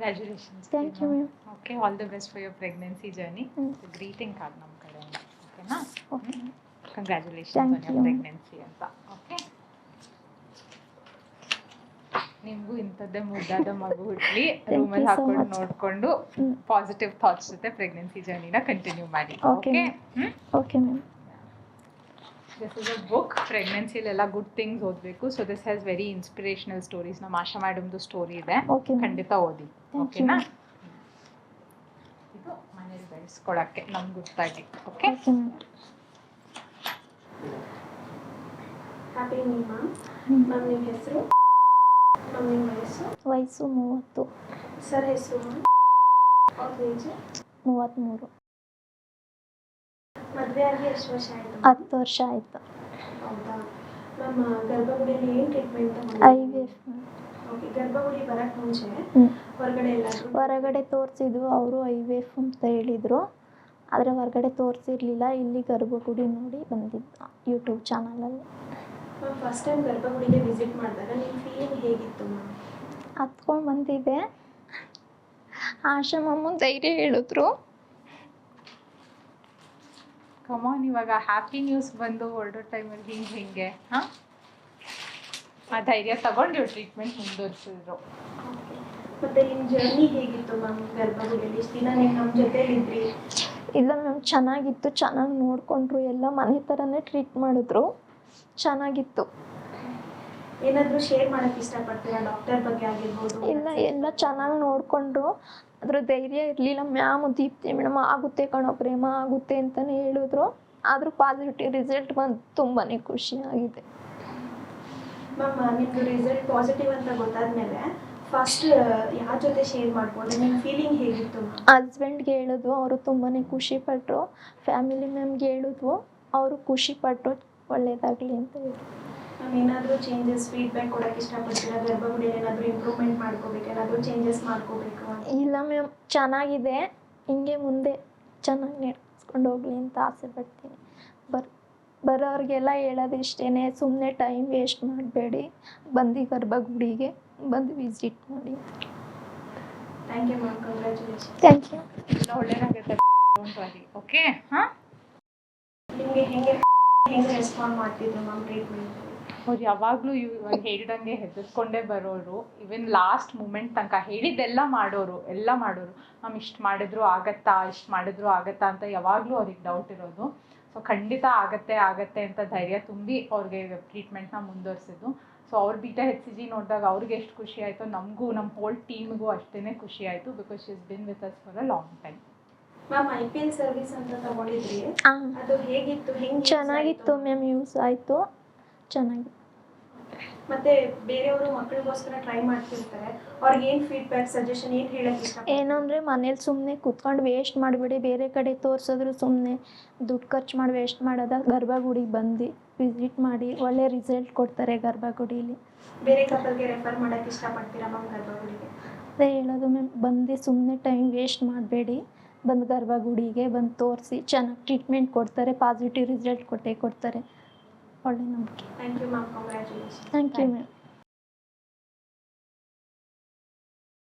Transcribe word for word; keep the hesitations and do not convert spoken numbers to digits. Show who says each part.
Speaker 1: Congratulations.
Speaker 2: Thank you, ma'am.
Speaker 1: Okay, all the best for your pregnancy journey.
Speaker 2: Mm.
Speaker 1: The greeting card ನಮ್ಮ ಕಡೆಯಿಂದ. ಓಕೆನಾ?
Speaker 2: Okay.
Speaker 1: Congratulations
Speaker 2: Thank
Speaker 1: on your
Speaker 2: you.
Speaker 1: pregnancy ಅಂತ. Okay. ನಿಮಗೂ ಇಂಥದ್ದೇ ಮುದ್ದಾದ ಮಗು ಹುಟ್ಲಿ, ರೂಮಲ್ಲಿ
Speaker 2: you so
Speaker 1: ಹಾಕೊಂಡು
Speaker 2: much.
Speaker 1: ನೋಡಿಕೊಂಡು
Speaker 2: Mm.
Speaker 1: ಪಾಸಿಟಿವ್ ಥಾಟ್ಸ್ ಜೊತೆ ಪ್ರೆಗ್ನೆನ್ಸಿ ಜರ್ನಿನ ಕಂಟಿನ್ಯೂ ಮಾಡಿ.
Speaker 2: Okay,
Speaker 1: okay?
Speaker 2: ma'am.
Speaker 1: Hmm?
Speaker 2: Okay, ma'am.
Speaker 1: This is a book. ಪ್ರೆಗ್ನೆನ್ಸಿಲೆಲ್ಲ ಗುಡ್ ಥಿಂಗ್ಸ್ ಓದಬೇಕು. So this has very inspirational stories. ನಮ್ಮ ಆಶಾ ಮೇಡಮ್ದು ಸ್ಟೋರಿ ಇದೆ,
Speaker 2: Okay, ma'am.
Speaker 1: ಖಂಡಿತ ಓದಿ.
Speaker 2: Thank
Speaker 1: ಓಕೆನಾ?
Speaker 2: you.
Speaker 1: ಇದು ಮನೇಲಿ ಬೆಳೆಸ್ಕೊಳಕ್ಕೆ ನಮ್ಗೆ ಗೊತ್ತಾಗಿ. Okay?
Speaker 2: Okay, ma'am.
Speaker 3: Happy new ma'am. Ma'am ನಿಮ್ಮ ಹೆಸರು? ಮ್ಯಾಮ್ ನಿಮ್ಮ ವಯಸ್ಸು?
Speaker 2: ವಯಸ್ಸು ಮೂವತ್ತು.
Speaker 3: ಸರ್ ಹೆಸರು ಮ್ಯಾಮ್? ಅವ್ರ ಏಜ್?
Speaker 2: ಮೂವತ್ತ್ಮೂರು.
Speaker 3: ಮದುವೆ ಆಗಿ ಎಷ್ಟು ವರ್ಷ ಆಯಿತು?
Speaker 2: ಹತ್ತು ವರ್ಷ ಆಯಿತು.
Speaker 3: ಹೌದಾ ಮ್ಯಾಮ್, ಗರ್ಭಗುಡಿಯಲ್ಲಿ ಏನು treatment
Speaker 2: I V F.
Speaker 3: Okay, Garbhagudi ಬರೋಕ್ಕೆ ಮುಂಚೆ
Speaker 2: ಹ್ಞೂ
Speaker 3: ಹೊರಗಡೆ ಎಲ್ಲಾದರೂ?
Speaker 2: ಹೊರಗಡೆ ತೋರಿಸಿದ್ವು, ಅವರು ಐ ವಿ ಎಫ್ ಅಂತ ಹೇಳಿದರು. ಆದರೆ ಹೊರಗಡೆ ತೋರಿಸಿರ್ಲಿಲ್ಲ, ಇಲ್ಲಿ ಗರ್ಭಗುಡಿ ನೋಡಿ ಬಂದಿದ್ದು ಯೂಟ್ಯೂಬ್ ಚಾನಲಲ್ಲಿ.
Speaker 3: ಮ್ಯಾಮ್, ಫಸ್ಟ್ ಟೈಮ್ ಗರ್ಭಗುಡಿಗೆ ವಿಸಿಟ್ ಮಾಡಿದಾಗ ನಿಮ್ಮ ಫೀಲಿಂಗ್ ಹೇಗಿತ್ತು ಮ್ಯಾಮ್?
Speaker 2: ಹತ್ಕೊಂಡು ಬಂದಿದ್ದೆ. ಆಶಾ ಮಮ್ಮು ಧೈರ್ಯ ಹೇಳಿದ್ರು.
Speaker 1: ಕಮಾನ್, ಇವಾಗ ಹ್ಯಾಪಿ ನ್ಯೂಸ್ ಬಂದು ಹೊರಡೋ ಟೈಮಲ್ಲಿ ಹಿಂಗೆ ಹಿಂಗೆ ಹಾಂ ಆ ಧೈರ್ಯ ತಗೊಂಡು ಇವ್ರು ಟ್ರೀಟ್ಮೆಂಟ್ ಮುಂದುವರಿಸಿದ್ರು.
Speaker 3: ಓಕೆ, ಮತ್ತು ನಿಮ್ಮ ಜರ್ನಿ ಹೇಗಿತ್ತು ಮ್ಯಾಮ್ ಗರ್ಭಗುಡಿಯಲ್ಲಿ? ಇಷ್ಟು ದಿನ ನೀವು ನಮ್ಮ ಜೊತೆಲಿದ್ರಿ.
Speaker 2: ಇಲ್ಲ ಮ್ಯಾಮ್, ಚೆನ್ನಾಗಿತ್ತು, ಚೆನ್ನಾಗಿ ನೋಡಿಕೊಂಡ್ರು, ಎಲ್ಲ ಮನೆ ಥರನೇ ಟ್ರೀಟ್ ಮಾಡಿದ್ರು, ಚೆನ್ನಾಗಿತ್ತು.
Speaker 3: ಏನಾದರೂ ಶೇರ್ ಮಾಡೋಕ್ಕೆ ಇಷ್ಟಪಡ್ತೀರಾ ಡಾಕ್ಟರ್ ಬಗ್ಗೆ ಆಗಿರ್ಬೋದು?
Speaker 2: ಇಲ್ಲ, ಎಲ್ಲ ಚೆನ್ನಾಗಿ ನೋಡಿಕೊಂಡ್ರು. ಅದ್ರ ಧೈರ್ಯ ಇರಲಿಲ್ಲ. ಮ್ಯಾಮ್ ದೀಪ್ತಿ ಮೇಡಮ್ ಆಗುತ್ತೆ ಕಣೋ ಪ್ರೇಮ, ಆಗುತ್ತೆ ಅಂತಲೇ ಹೇಳಿದ್ರು. ಆದರೂ ಪಾಸಿಟಿವ್ ರಿಸಲ್ಟ್ ಬಂದು ತುಂಬಾ ಖುಷಿಯಾಗಿದೆ.
Speaker 3: ಮ್ಯಾಮ್, ನಿಮ್ಮದು ರಿಸಲ್ಟ್ ಪಾಸಿಟಿವ್ ಅಂತ ಗೊತ್ತಾದ್ಮೇಲೆ ಫಸ್ಟ್ ಯಾರ ಜೊತೆ ಶೇರ್ ಮಾಡ್ಕೊಂಡು ನಿಮ್ಮ ಫೀಲಿಂಗ್ ಹೇಗಿತ್ತು ಮ್ಯಾಮ್?
Speaker 2: ಹಸ್ಬೆಂಡ್ಗೆ ಹೇಳಿದ್ವು, ಅವರು ತುಂಬಾ ಖುಷಿಪಟ್ಟರು. ಫ್ಯಾಮಿಲಿ ಮ್ಯಾಮ್ಗೆ ಹೇಳಿದ್ವು, ಅವರು ಖುಷಿಪಟ್ಟರು, ಒಳ್ಳೆಯದಾಗಲಿ ಅಂತ ಹೇಳಿ.
Speaker 3: ಮ್ಯಾಮ್, ಏನಾದರೂ ಚೇಂಜಸ್ ಫೀಡ್ಬ್ಯಾಕ್ ಕೊಡೋಕ್ಕೆ ಇಷ್ಟಪಡ್ತೀರಾ? ಗರ್ಭಗುಡಿಯಲ್ಲಿ ಏನಾದರೂ ಇಂಪ್ರೂವ್ಮೆಂಟ್ ಮಾಡ್ಕೋಬೇಕು, ಏನಾದರೂ ಚೇಂಜಸ್ ಮಾಡ್ಕೋಬೇಕು ಅಂತ?
Speaker 2: ಇಲ್ಲ ಮ್ಯಾಮ್, ಚೆನ್ನಾಗಿದೆ, ಹಿಂಗೆ ಮುಂದೆ ಚೆನ್ನಾಗಿ ನಡೆಸ್ಕೊಂಡು ಹೋಗಲಿ ಅಂತ ಆಸೆ ಪಡ್ತೀನಿ. ಬರ್ ಬರೋರಿಗೆಲ್ಲ ಹೇಳೋದು ಇಷ್ಟೇ, ಸುಮ್ಮನೆ ಟೈಮ್ ವೇಸ್ಟ್ ಮಾಡಬೇಡಿ, ಬಂದು ಗರ್ಭಗುಡಿಗೆ ಬಂದು ವಿಸಿಟ್ ಮಾಡಿ.
Speaker 3: Thank you ma'am, congratulation.
Speaker 2: Thank you.
Speaker 1: ಎಲ್ಲ ಒಳ್ಳೇದಾಗುತ್ತೆ, ಡೋಂಟ್ ವರಿ. ಓಕೆ? ಹಾಂ,
Speaker 3: ನಿಮಗೆ ಹೆಂಗೆ ಹೆಂಗೆ ರೆಸ್ಪಾಂಡ್ ಮಾಡ್ತಿದ್ರು ಮ್ಯಾಮ್ ಟ್ರೀಟ್ಮೆಂಟ್?
Speaker 1: ಅವ್ರು ಯಾವಾಗಲೂ ಇವಾಗ ಹೇಳ್ದಂಗೆ ಹೆದರ್ಸ್ಕೊಂಡೇ ಬರೋರು. ಇವನ್ ಲಾಸ್ಟ್ ಮೂಮೆಂಟ್ ತನಕ ಹೇಳಿದ್ದೆಲ್ಲ ಮಾಡೋರು, ಎಲ್ಲ ಮಾಡೋರು. ಮ್ಯಾಮ್ ಇಷ್ಟು ಮಾಡಿದ್ರು ಆಗತ್ತಾ, ಇಷ್ಟು ಮಾಡಿದ್ರು ಆಗತ್ತಾ ಅಂತ ಯಾವಾಗಲೂ ಅವ್ರಿಗೆ ಡೌಟ್ ಇರೋದು. ಸೊ ಖಂಡಿತ ಆಗತ್ತೆ ಆಗತ್ತೆ ಅಂತ ಧೈರ್ಯ ತುಂಬಿ ಅವ್ರಿಗೆ ಟ್ರೀಟ್ಮೆಂಟ್ನ ಮುಂದುವರಿಸಿದ್ದು. ಸೊ ಅವ್ರ ಬೀಟಾ ಹೆಚ್ ಸಿ ಜಿ ನೋಡಿದಾಗ ಅವ್ರಿಗೆ ಎಷ್ಟು ಖುಷಿ ಆಯಿತು, ನಮಗೂ ನಮ್ಮ ಹೋಲ್ ಟೀಮ್ಗೂ ಅಷ್ಟೇ ಖುಷಿ ಆಯಿತು. Because she is been with us for a long time.
Speaker 3: Ma'am, I P L service ಅಂತ ತಗೊಂಡಿದ್ರಿ,
Speaker 2: ಹಾಂ,
Speaker 3: ಅದು ಹೇಗಿತ್ತು? ಹೆಂಗೆ
Speaker 2: ಚೆನ್ನಾಗಿತ್ತು ಮ್ಯಾಮ್, ಯೂಸ್ ಆಯಿತು, ಚೆನ್ನಾಗಿತ್ತು.
Speaker 3: ಮತ್ತೆ ಬೇರೆಯವರು ಮಕ್ಕಳಿಗೋಸ್ಕರ ಟ್ರೈ ಮಾಡ್ತಿರ್ತಾರೆ, ಅವ್ರಿಗೆ ಏನು ಫೀಡ್ಬ್ಯಾಕ್ ಸಜೆಷನ್ ಏನು ಹೇಳಕ್ಕೆ ಇಷ್ಟ?
Speaker 2: ಏನಂದರೆ ಮನೇಲಿ ಸುಮ್ಮನೆ ಕೂತ್ಕೊಂಡು ವೇಸ್ಟ್ ಮಾಡಿಬಿಡಿ, ಬೇರೆ ಕಡೆ ತೋರಿಸಿದ್ರು ಸುಮ್ಮನೆ ದುಡ್ಡು ಖರ್ಚು ಮಾಡಿ ವೇಸ್ಟ್ ಮಾಡೋದ, ಗರ್ಭಗುಡಿಗೆ ಬಂದು ವಿಸಿಟ್ ಮಾಡಿ, ಒಳ್ಳೆ ರಿಸಲ್ಟ್ ಕೊಡ್ತಾರೆ ಗರ್ಭಗುಡೀಲಿ.
Speaker 3: ಬೇರೆ ಕಪಲ್ಗೆ ರೆಫರ್ ಮಾಡೋಕ್ಕೆ ಇಷ್ಟಪಡ್ತೀರಾ ಮ್ಯಾಮ್ ಗರ್ಭಗುಡಿಗೆ?
Speaker 2: ಅದೇ ಹೇಳೋದು ಮ್ಯಾಮ್, ಬಂದು ಸುಮ್ಮನೆ ಟೈಮ್ ವೇಸ್ಟ್ ಮಾಡಬೇಡಿ, ಬಂದು ಗರ್ಭಗುಡಿಗೆ ಬಂದು ತೋರಿಸಿ ಚೆನ್ನಾಗಿ ಟ್ರೀಟ್ಮೆಂಟ್ ಕೊಡ್ತಾರೆ, ಪಾಸಿಟಿವ್ ರಿಸಲ್ಟ್ ಕೊಟ್ಟೇ ಕೊಡ್ತಾರೆ. ಒಳ್ಳೆ ನಂಬಿಕೆ.
Speaker 3: Thank you ma'am, congratulation.
Speaker 2: Thank you ma'am.